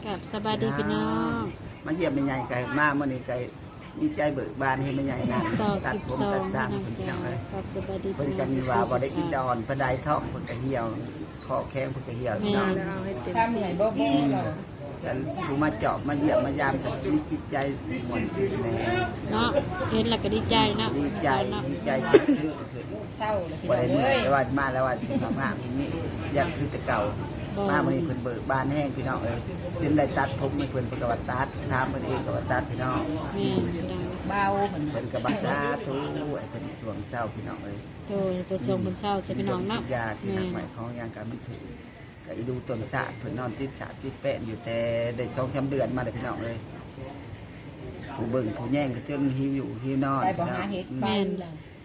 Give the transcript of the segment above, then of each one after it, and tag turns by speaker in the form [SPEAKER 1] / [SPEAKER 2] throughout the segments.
[SPEAKER 1] กับสบายดีพี่น้อง
[SPEAKER 2] มาเยี่ยมแม่ใหญ่ไก่มาเมื่อนี้ไก่ดีใจเบิกบานให้แม่ใหญ่นะ
[SPEAKER 1] ต่อค
[SPEAKER 2] ตัด
[SPEAKER 1] ลิป
[SPEAKER 2] ผม
[SPEAKER 1] สอ
[SPEAKER 2] ตั
[SPEAKER 1] ง
[SPEAKER 2] ดสร้าง
[SPEAKER 1] พี่น้อง
[SPEAKER 2] คนที่
[SPEAKER 1] จ้า
[SPEAKER 2] น้องเลย
[SPEAKER 1] กับสบายดี
[SPEAKER 2] เพิ่น
[SPEAKER 1] พี่
[SPEAKER 2] กั
[SPEAKER 1] น้
[SPEAKER 2] น
[SPEAKER 1] อง
[SPEAKER 2] ว่าบ่ได้กินดอนพระไดท้องเพิ่นก็เหี่ยวคอแข้งเพิ่นก็เหี่ยวพี่น้อง
[SPEAKER 3] ถ้าเหนื่อยบ่เหรอ
[SPEAKER 2] กันผู้มาเจาะมาเยี่ยมมายามกันมีจิตใจหม่นชื่นแน่
[SPEAKER 1] เนาะเห็นแล้วก็ดีใจเนาะ
[SPEAKER 2] ดีใจ
[SPEAKER 1] เนาะ
[SPEAKER 2] ดีใจชื่นขึ้น
[SPEAKER 3] เศร้าเลยพี่
[SPEAKER 2] บ่
[SPEAKER 3] น้อ
[SPEAKER 2] ได้
[SPEAKER 3] ง
[SPEAKER 2] เหนื่
[SPEAKER 3] เอ้
[SPEAKER 2] อย
[SPEAKER 3] ย
[SPEAKER 2] แต่ว่ามาแล้วว่าสิมากทีนี้อยากคือแต่เก่ามามื้อนี้เพิ่นเบิกบานแห้งพี่น้องเอ้ยเพิ่นได้ตัดผมให้เพิ่นเพิ่นก็ว่าตัดถามเพิ่นเองก็ว่าตัดพี่น้อง
[SPEAKER 1] แม่พี่น้อง
[SPEAKER 3] เบาเหมือน
[SPEAKER 2] เพิ่นก็บักษาทุไอ้เพิ่นสวงเจ้าพี่น้องเอ้ย
[SPEAKER 1] โดยไปส่งบนเศร้าใส่พี่น้องเนาะ
[SPEAKER 2] ยาที่
[SPEAKER 1] แม่
[SPEAKER 2] นักใหม่ของยางการมันถือก็อีดูต้นสะเพิ่นนอนติดสะติดแป้นอยู่แต่ได้2-3 เดือนมาเลยพี่น้องเลยผู้เบิ่งผู้แย่งก็จนหิวอยู่หิวนอน
[SPEAKER 3] ได้บ่
[SPEAKER 2] พี่น้อ
[SPEAKER 3] หาง เฮ็ดไปเลย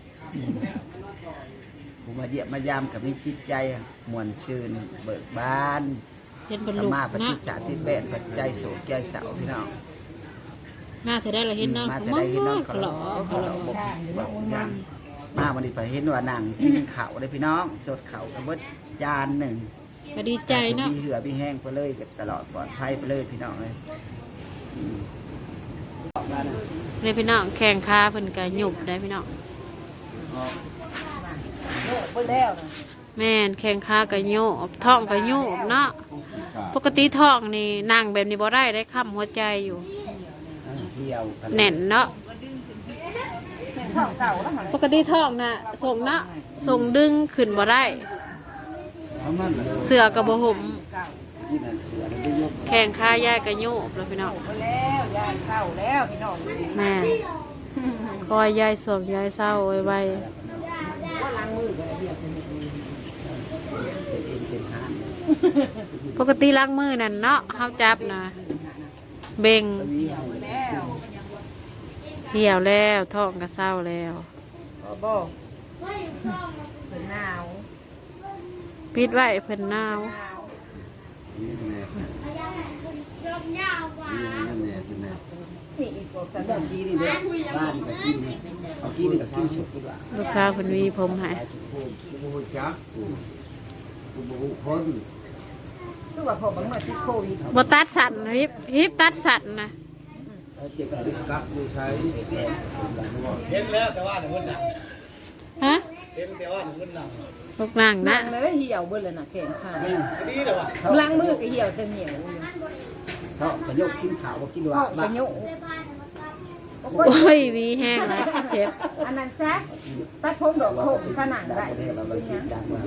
[SPEAKER 2] ผู้มาเยี่ยมมายามก็มีจิตใจม่วนชื่นเบิกบาน
[SPEAKER 1] เห็นบรร
[SPEAKER 2] ธร
[SPEAKER 1] ลุ
[SPEAKER 2] รมาป
[SPEAKER 1] เนาะ
[SPEAKER 2] ฏิจจาติดแป้นปัจจัยโศกใจเศร้าพี่น้อง
[SPEAKER 1] มาเธอได้ละเห็นเนาะ
[SPEAKER 2] มา
[SPEAKER 1] มา
[SPEAKER 2] จะได้เห็นน้อง
[SPEAKER 1] ขลอขลอ
[SPEAKER 2] บอกอย่างมาวันนี้ไปเห็นว่านั่งกินข้าวได้พี่น้องสดข้าวกันเบิดจานหนึ่ง
[SPEAKER 1] ก็ดีใจเนาะ
[SPEAKER 2] มีเหือมีแห้งไปเลยตลอดปลอดภัยไปเลยพี่น้องเลยออกมานะ
[SPEAKER 1] เลยพี่น้องแข่งขาเพิ่นก็หยุบได้พี่น้อง
[SPEAKER 2] ออก
[SPEAKER 3] โลกเบิ่แล้วนะ
[SPEAKER 1] แม่นแข่งขาก็หยุบท้องก็หยุบเนาะปกติท้องนี่นั่งแบบนี้บ่ได้ค้ำหัวใจอยู่
[SPEAKER 2] เที่ยวกั
[SPEAKER 1] แน่นเนาะ
[SPEAKER 3] ท้องเก่าแล้วหั่น
[SPEAKER 1] ปกติท้องน่ะส่งนะส่งดึงขึ้นบ่ได้
[SPEAKER 2] เอามันเลย
[SPEAKER 1] เสือกับบ่ห่ม
[SPEAKER 3] เก่า
[SPEAKER 2] ที่นั่นเสือได้ยก
[SPEAKER 1] แข่งขายายกับโยบแล้วพี่น้อง
[SPEAKER 3] ไปแล้วยายเศร้าแล้วพี่น้อง
[SPEAKER 1] แม่คอยยายสวงยายเศร้าไว้
[SPEAKER 3] ว่าล้างมือกันเดียวเป็น
[SPEAKER 2] เป็นห้าง
[SPEAKER 1] ปกติล้างมือนั่นเนาะเฮาจับนะเบ่ง
[SPEAKER 3] แล้ว
[SPEAKER 1] เหี่ยวแล้วท้องก็เศร้าแล้ว
[SPEAKER 3] บ่เป็นหนาว
[SPEAKER 1] ปิดไว้เพิ่นหนาว
[SPEAKER 3] นี่อีกกว่ากัน
[SPEAKER 2] บ้านกี้นี่เด้บ้านกับกี้นี่เอากี้นี่กับกี้ฉุกดีกว่า
[SPEAKER 1] ลูกสาวเพิ่นหวีผมให้
[SPEAKER 2] กูจักกูบุคน
[SPEAKER 3] คือว่าพอบังมาติดโควิด
[SPEAKER 1] บ่ตัดสันฮิปตัดสันนะ
[SPEAKER 2] เจ็บกักดูใช้
[SPEAKER 4] เห็นแล้วแต่ว่าหนึ่งคนหนัง
[SPEAKER 1] ฮะ
[SPEAKER 4] เห็นแต่ว่าหนึ่งคนหนัง
[SPEAKER 1] ลูกนั่งนะ
[SPEAKER 3] นั่งเลยเหี่ยวเบิ่เลยน่ะแขนขา
[SPEAKER 4] ดีเลยว่ะ
[SPEAKER 3] ล้างมือก็เหี่ยวแต่เหนียว
[SPEAKER 2] เขาขยกกินข่าวว่ากินว่า
[SPEAKER 3] เข้าไปโย
[SPEAKER 1] โอ้ยหวีแห้งแล้วเจ็บ
[SPEAKER 3] อันนั้นซะตัดผมดอกโขกขนาดได้
[SPEAKER 2] เราเลยคิดดังว่า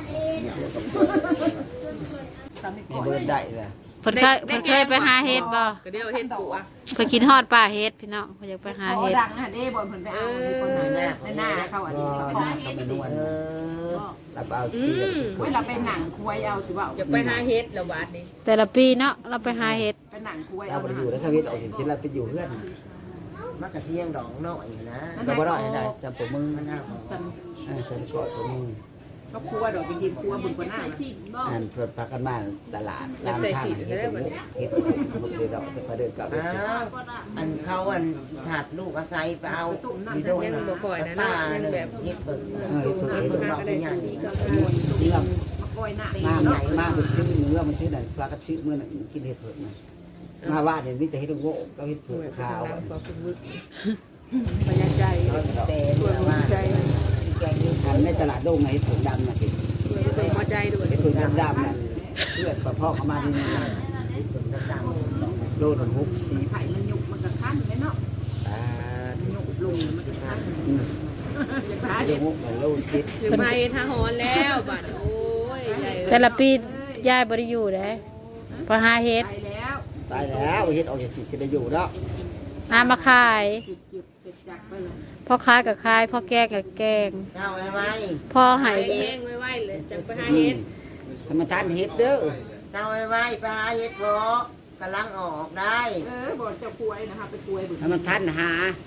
[SPEAKER 2] มีเบิร์ดได้เลย
[SPEAKER 1] เพิ่นเคยไปหาเฮ็ดบ่
[SPEAKER 3] ก็เดียวเห็นตัว
[SPEAKER 1] เพิ่นกินฮอดป่าเฮ็ดพี่น้องเพิ่นอยากไปหา
[SPEAKER 3] เขา
[SPEAKER 1] เฮ็ด
[SPEAKER 3] ดังอ่ะเด้บอลเพิ่นไปเอาที่คนนั้นน่ะในหน้าเขาอันนี้เขา
[SPEAKER 2] เขาเป็นนวลรับเอาที่
[SPEAKER 3] เวลาเป็นหนังคุยเอาสิว่า
[SPEAKER 5] อยากไปหาเฮ็ดแล้วบาดนี้
[SPEAKER 1] แต่ละปีเนาะเราไปหาเฮ็ด
[SPEAKER 3] เป็นหนังคุย
[SPEAKER 2] เรา
[SPEAKER 3] เอา
[SPEAKER 2] ไปอยู่แล้วควิตออกอย่างเช่นเราไปอยู่เพื่อน
[SPEAKER 5] มักกะเสียงดอกน้อยนะ
[SPEAKER 2] ก็บ่ได้ได้จำผมมึง
[SPEAKER 5] มันน่าของ
[SPEAKER 3] สัน
[SPEAKER 2] ฉันกอดผมมึง
[SPEAKER 3] ก็ครัวดอกไปยินครัวบุญกว่าหน้า
[SPEAKER 2] อ่านเปิดพักกันมาตลาดร้านข้างเฮ็ดผมเฮ็ดผมเดินเราจะไปเดินกลับไป
[SPEAKER 5] อ้าวอันเขาอันถาดลูกอาศัยไปเอามีโดน
[SPEAKER 6] ยังบ่ค่อยนะเนาะยังแบบ
[SPEAKER 5] เฮ็ดเปิด
[SPEAKER 2] เฮ็ดผมเฮ็ดผม
[SPEAKER 6] ก็ได้สักทีก็
[SPEAKER 2] นี่เรา
[SPEAKER 3] มาคอยหน้า
[SPEAKER 2] มาใหญ่มากไปซื้อเนื้อมันซื้อนั่นปลากระซื้อเมื่อนั้นกินเห็ดเผือกนะมาว่าเนี่ยมีแต่เห็ดโง่ก็เห็ดเผือกขาว
[SPEAKER 6] บ่คุณมึกบรรยากาศ
[SPEAKER 5] แต่
[SPEAKER 6] ตัวหัวใจ
[SPEAKER 5] แกงนี่
[SPEAKER 2] อันในตลาดโด่งไงเห็ดเผือกดำนะสิ
[SPEAKER 6] ตัวหัวใจด้วย
[SPEAKER 2] เห็ดเผือกดำนั่นเลือดกระเพาะเข้ามาที่นี่
[SPEAKER 5] ดำ
[SPEAKER 2] โลละ60
[SPEAKER 3] ไผ่มันยุกมันก็ขั้นเลยเนาะ
[SPEAKER 2] อ่า
[SPEAKER 3] ยุกลงมันก็ขั้นจะพา
[SPEAKER 2] เดี๋
[SPEAKER 3] เด็
[SPEAKER 2] ยว
[SPEAKER 3] ก
[SPEAKER 2] มุกมันโล10
[SPEAKER 6] ถึงไปทางหอนแล้วบาดโอ้ยใหญ่
[SPEAKER 1] แต่ละปียายบ่ได้อยู่เด้พอหาเฮ็ด
[SPEAKER 3] ไปแล้ว
[SPEAKER 2] ตายแล้วเห็ดออกจากสิสิได้อยู่เนาะ
[SPEAKER 1] หามาขาย
[SPEAKER 3] จุดจักไปเลย
[SPEAKER 1] พอขายกับขายพอแกงกับแกง
[SPEAKER 5] เช้าไว้
[SPEAKER 1] พอให้
[SPEAKER 6] ไปแห้งไว้ๆเลยจังไปหาเฮ็ด
[SPEAKER 2] ธรรมทานเห็ดเด้อ
[SPEAKER 5] เช้าไว้ไปหาเฮ็ดบ่กำลังออกได้
[SPEAKER 3] บอกเจ้าคุยนะคะไปคุยบุญ
[SPEAKER 2] ธรรมทานหา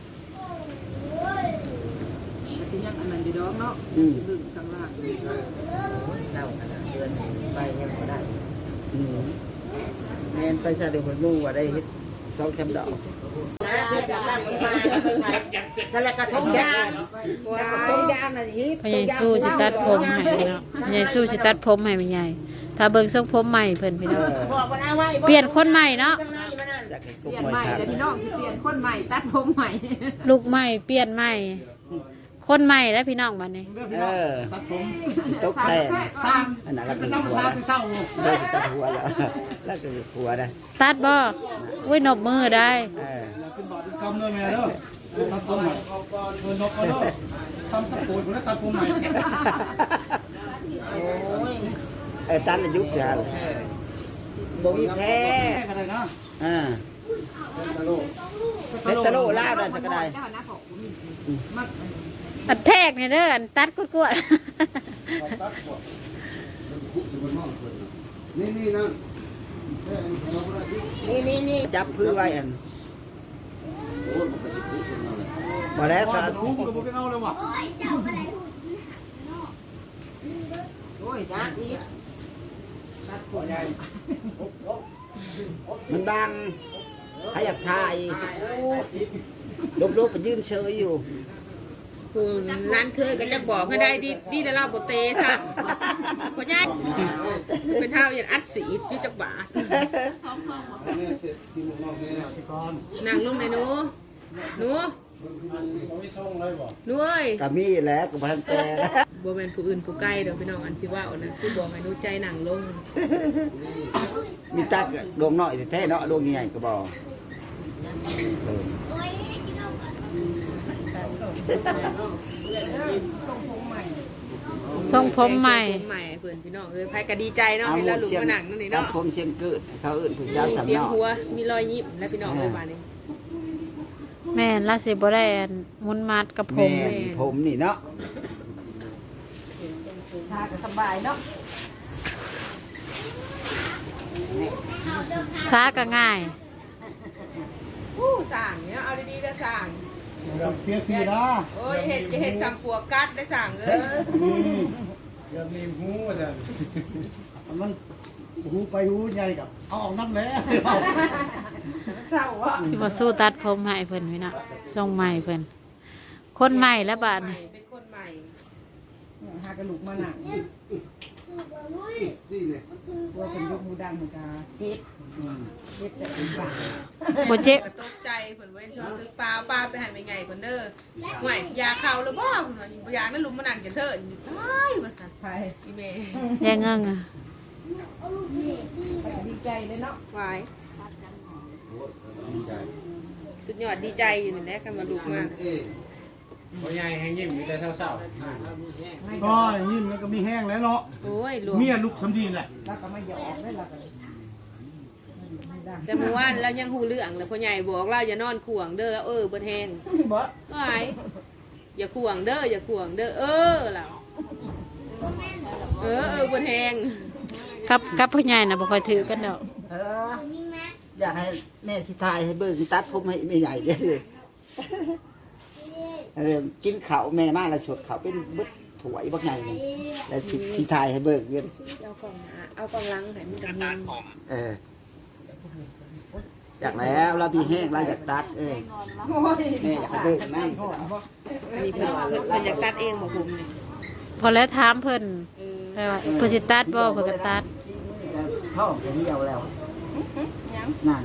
[SPEAKER 3] ที่ยังอันนั้นอยู่ดอกเนาะดึงสังลาก
[SPEAKER 5] เช้าขนาดเดือนไปยังบ่ได้
[SPEAKER 2] แม่นไปซะเดี๋ยวผมรู้ว่าได้เห็ด2-3 ดอก
[SPEAKER 5] นะเฮ็ดแบบนั้นมันมาสลักกระทงยาง
[SPEAKER 6] ว้า
[SPEAKER 5] ท
[SPEAKER 6] ว
[SPEAKER 5] งยางน่ะฮิ
[SPEAKER 1] พอใหญ่สู้สิตัดผมให้เนาะพอใหญ่สู้สิตัดผมให้แม่ใหญ่ถ้าเบิ่งทรงผมใหม่เพิ่นพี่
[SPEAKER 2] เอ
[SPEAKER 1] น้อง
[SPEAKER 2] อ
[SPEAKER 5] บอกว่าเอาไว้
[SPEAKER 1] เปลี่ยนคนใหม่เนาะ
[SPEAKER 2] อยากให้
[SPEAKER 3] เป
[SPEAKER 2] กุ๊ก
[SPEAKER 3] ลี่ยน
[SPEAKER 2] มวย
[SPEAKER 3] ใหม่
[SPEAKER 2] ครับ
[SPEAKER 3] เลยพี่น้องที่เปลี่ยนคนใหม่ตัดผมใหม่
[SPEAKER 1] ลูกใหม่เปลี่ยนใหม่ คนใหม่แล้วพี่น้องบัดนี้
[SPEAKER 4] เรื่องพี่
[SPEAKER 2] เอ
[SPEAKER 4] น้อง
[SPEAKER 2] อ
[SPEAKER 4] ตัดผม
[SPEAKER 2] ตกแต่ง
[SPEAKER 4] สร้าง
[SPEAKER 2] อันนั้นก็
[SPEAKER 4] เป็
[SPEAKER 2] เป็น น
[SPEAKER 4] น้ำ
[SPEAKER 2] หัว
[SPEAKER 4] สร้าง
[SPEAKER 2] นะ
[SPEAKER 4] ไปเศร้า
[SPEAKER 2] เลิกตัดหัวแล้วแล้วก็เป็นหัวนะ
[SPEAKER 1] ตัดบ่อุ้ยนบมือได้
[SPEAKER 2] เออ
[SPEAKER 4] เป็นบาดเป็นกำเลยแม่เด้อตัดผมใหม่เงินนกเอาเด้อซ้ำสักโกนผมได้ตัดผมใหม่
[SPEAKER 2] ตัดอายุเท่าบ่มีแพ้
[SPEAKER 4] แค่กันเลยนะ
[SPEAKER 2] อ่าเป็นตะโลลาวได้สักก็ได้
[SPEAKER 3] เจ้าหน้าของ
[SPEAKER 1] อันแทกเนี่ยเด้ออันตัดกวด
[SPEAKER 5] นี่
[SPEAKER 2] จับพื้นไว้อันบ่แล้วก็
[SPEAKER 4] คุ้มกับผมเอาเลยว่ะ
[SPEAKER 5] โอ้ยจ้าอีก
[SPEAKER 2] มันบังใครอยากถ่ายลบๆก็ยืนเฉยอยู่
[SPEAKER 6] ผู้นั้นเคยก็จะบอกให้ได้ดีแต่เราบ่เตะซะพ่อใหญ่เป็นเท่าอย่างอัดสีอยู่จักบาทนั่งลงเลยหนูหนูหนูเอ้ย
[SPEAKER 2] ก็มีแหล้วก็บ่ทันแต่
[SPEAKER 6] บ่แม่นผู้อื่นผู้ใกล้เด้อพี่น้องอันสิว่าเอานะคือบอกให้หนูใจนั่งลง
[SPEAKER 2] มีตักดวงน้อยแท้ๆเนาะดวงใหญ่ๆก็บ่เออ
[SPEAKER 1] ๆทรงผมใหม่
[SPEAKER 6] ผมใหม่เพื่อนพี่น้องเอ้ยไผก็ดีใจเนาะเห็นแล้วลุกมานั่งนั่นนี่
[SPEAKER 2] ตัด
[SPEAKER 6] เนาะ
[SPEAKER 2] ผมเสียงเกิดเขาเอิ้นผู้สาวสาม
[SPEAKER 6] เสียง
[SPEAKER 2] เนาะ
[SPEAKER 6] หัวมีรอยยิ้มและพี่น้องเอ้ยบาดนี้
[SPEAKER 1] แม่นล่าสิบ่ได้อันมุนมัดกับผ
[SPEAKER 2] แม่
[SPEAKER 1] ม
[SPEAKER 2] นผมนี่เนาะ
[SPEAKER 3] ชาก็สบายเนาะ
[SPEAKER 1] ซาก็ง่าย
[SPEAKER 6] ผู้สั่งเนี่ยเอาดีๆจะสั่ง
[SPEAKER 4] เสียสีนะ
[SPEAKER 6] โอ้ยเห็ดจะเห็ดสั่งปัวกัดได้สั่งเอ้ย
[SPEAKER 4] เดี๋ยวมีหูอาจารย์มันหูไปหูใหญ่กับเอาออกน้ำแล้ว
[SPEAKER 3] เศร้าอ่ะ
[SPEAKER 1] ที่บ่สู้ตัดผมให้เพิ่นพี่น้องทรงใหม่เพิ่นคนใหม่แล้วบาดนี้
[SPEAKER 6] เป็นคนใหม่
[SPEAKER 3] หากระลุกมาหนังตัวเป็นยกมูดังเหมือนกันเจ็บจะเป็นบา
[SPEAKER 1] บ่เจ็บ
[SPEAKER 6] ก็ตกใจเพิ่นเว้นชอบตึกปลาปลาไปหันไปไงเพิ่นเด้อห่วยยาเข้าหรือบ่ยานั้นลุมมานั่งกันเถิดตายว่าซั่น
[SPEAKER 3] ไป
[SPEAKER 6] อีแม่
[SPEAKER 1] แย่เงิงอะ
[SPEAKER 3] ดีใจเลยเนาะ
[SPEAKER 6] วายสุดยอดดีใจอยู่นี่แหละกันมาลุกมา
[SPEAKER 4] พ่อใหญ่แห้งยิ้มมีแต่เศร้าๆก็ยิ้มแล้วก็มีแห้งแล้วเนาะ
[SPEAKER 6] โอ้ยรวม
[SPEAKER 4] เมียลูกสำดีแหละ
[SPEAKER 3] แล้วก็มาหยอกได้แล้วก็
[SPEAKER 6] แต่เมื่อวานเรายังหูเรื่องแล้วพ่อใหญ่บอกเราอย่านอนขวางเด้อแล้วเบิดแห้ง
[SPEAKER 3] บ่
[SPEAKER 6] ก็ไอ้อย่าขวางเด้ออย่าขวางเด้อเราเบิดแห้ง
[SPEAKER 1] กับผู้ใหญ่น่ะบ่ค่อยถือกันดอก
[SPEAKER 2] เอออยากให้แม่สิถ่ายให้เบิ่งตัดผมให้แม่ใหญ่เด้อกินข้าวแม่มาแล้วสดข้าวเป็นบึดถวยบักใหญ่นี่แล้วสิถ่ายให้เบิ่งเด้อ
[SPEAKER 6] เอากล่องล้างให้มันกัน
[SPEAKER 2] เอออยากแล้วเรามีแห้งเราอยากตัดแม่อยากให้เบิ่งนั่น
[SPEAKER 6] มีเพิ่นอยากตัดเองบอกผมเนี่ย
[SPEAKER 1] พอแล้วถามเพิ่นไปว่าเพิ่นสิตัดบ่เพิ่นก็ตัด
[SPEAKER 2] ท้องจะเหี่ยวแล้วนั่น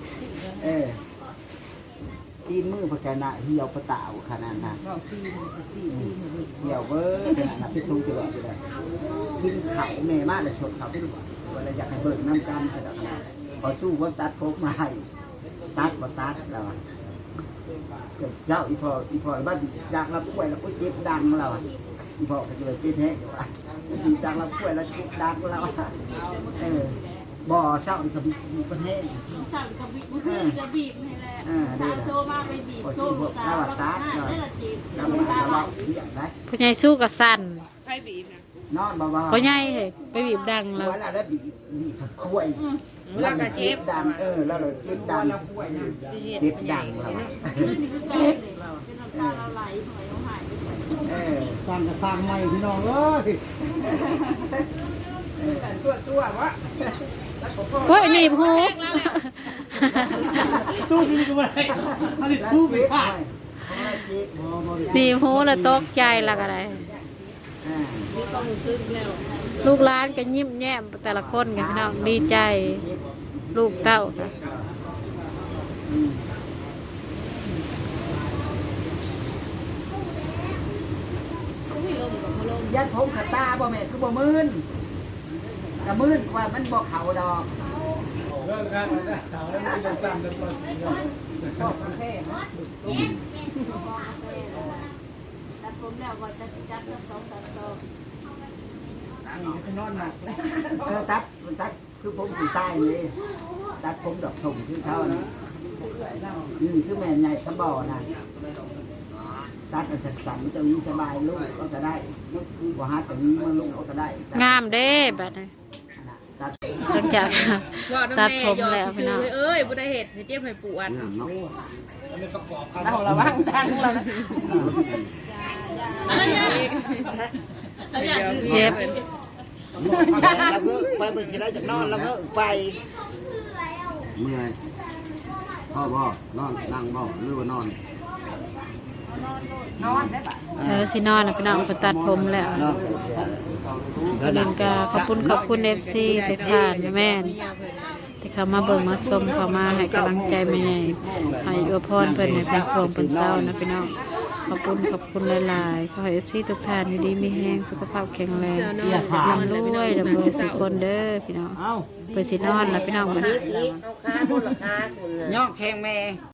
[SPEAKER 2] ตีนมือพะแกน่ะเหี่ยวประตาวขนาดนั้น
[SPEAKER 3] ก็ตี
[SPEAKER 2] เหี่ยวเว้ยขนาดนั้นเป็นทุ่งจะแบบได้กินข้าวแม่มาแล้วสดข้าวเป็นเวลาอยากให้เบิ่งน้ำกันก็ได้พอสู้ว่าตัดผมมาให้ตัดบ่ตัดแล้วเจ้าอีพอบ้านอยากรับป่วยแล้วก็เจ็บดังแล้วอีพอก็เลยเป็นแท้อยู่ว่าอยากรับป่วยแล้วเจ็บดังแล้วบ่เศร้าอีกก็มีประเทศ
[SPEAKER 7] สั่งกับบีบจะบีบให้แหละตาโทรมาไปบีบโทรสาวได้ละจีบ
[SPEAKER 2] น้ำมันเราเลี้ยงได้
[SPEAKER 1] ผู้ใหญ่สู้กับสั่น
[SPEAKER 6] ไพ่บีบนะ
[SPEAKER 2] นอนเบาๆ
[SPEAKER 1] ผู้ใหญ่เฮ้ยไปบีบดัง
[SPEAKER 2] แล้
[SPEAKER 1] แล้ว ว
[SPEAKER 2] แล้วบีบคุย
[SPEAKER 6] แล้วก็เจ็บ
[SPEAKER 2] ดังแล้วเราเจ็บดังเจ็บดังเรา
[SPEAKER 7] นี่คือการเป็นน้ำตาเราไหลหอยเราหายไป
[SPEAKER 4] สร้างก็สร้างใหม่พี่น้องเอ้ย
[SPEAKER 3] ตัววะ
[SPEAKER 1] เฮ้ยหนีบหู
[SPEAKER 4] สู้ที่นี่ก็ไม่ได้อันนี้สู้ไปพลาด
[SPEAKER 1] หนีบหูแล้วตกใจและก็ได้
[SPEAKER 6] มีความรู้สึกแล้ว
[SPEAKER 1] ลูกหลานก็ยิ้มแย้มแต่ละคนกันพี่น้องดีใจลูกเต้าค่ะ
[SPEAKER 2] ยัดผมขัดตาบ่แม่คือบ่มื่นกะมื่นกว่ามันบ่เข่าดอก
[SPEAKER 4] เรื่องการมันจะสาวแล้วมันจะจำจะปลดเนาะ
[SPEAKER 3] ก็ประเภทนะ
[SPEAKER 7] แต่ผมแล้วว่าจะจัดสัก2-3ซอง
[SPEAKER 3] นี่ก็นอนหนักแล้ว
[SPEAKER 2] ตัดคือผมผู้ชายนี่ตัดผมดอกถมคือเขานะคือแม่ใหญ่สะบ่อนะตัดมันสั่นๆมันจะมีสบายลูกก็จะได้บ่ฮัดแต่นี้มันลูกก็ได้
[SPEAKER 1] งามเด้บัดนี้
[SPEAKER 2] ตัด
[SPEAKER 1] จังจาก
[SPEAKER 6] ว่าน้ำ
[SPEAKER 1] ตัด
[SPEAKER 6] แน่
[SPEAKER 1] ผม
[SPEAKER 6] ยอ
[SPEAKER 1] แล้ว
[SPEAKER 6] ด
[SPEAKER 1] พี่
[SPEAKER 6] ซื้
[SPEAKER 1] น้
[SPEAKER 6] อ
[SPEAKER 1] อง
[SPEAKER 6] เอ้ยบ่ได้เห็ดให้เจ็บให้ปวด
[SPEAKER 4] มันเป็นประกอบกัน
[SPEAKER 3] เราระวังจังเรานะ
[SPEAKER 1] เจ็บ
[SPEAKER 2] แล้วก็ไปเป็นสิได้จากนอนแล้วก็ไป
[SPEAKER 8] เมื่อยพ่อบ่นอนนั่งบ่หรือว่านอน
[SPEAKER 3] นอนได้ปะ
[SPEAKER 1] สินอนนะพี่น้องไปตัดผมแล้วประเด็นก็ขอบคุณFC ทุกท่านนะแม่นที่เขามาเบิ่งมาชมเขามาให้กำลังใจแม่ใหญ่ให้อวยพรเพิ่นให้เป็นสวงเป็นเศร้านะพี่น้องขอบคุณหลายๆขอให้ FC ทุกท่านอยู่ดีมีแรงสุขภาพแข็งแรงร่ำรวยร่ำรวยสุขคนเด้อพี่น้องเปิดสินอนแล้วพี่น้องมัน
[SPEAKER 5] เอาค้าโน่นราคาคุณ
[SPEAKER 2] ย่อแข้งแม่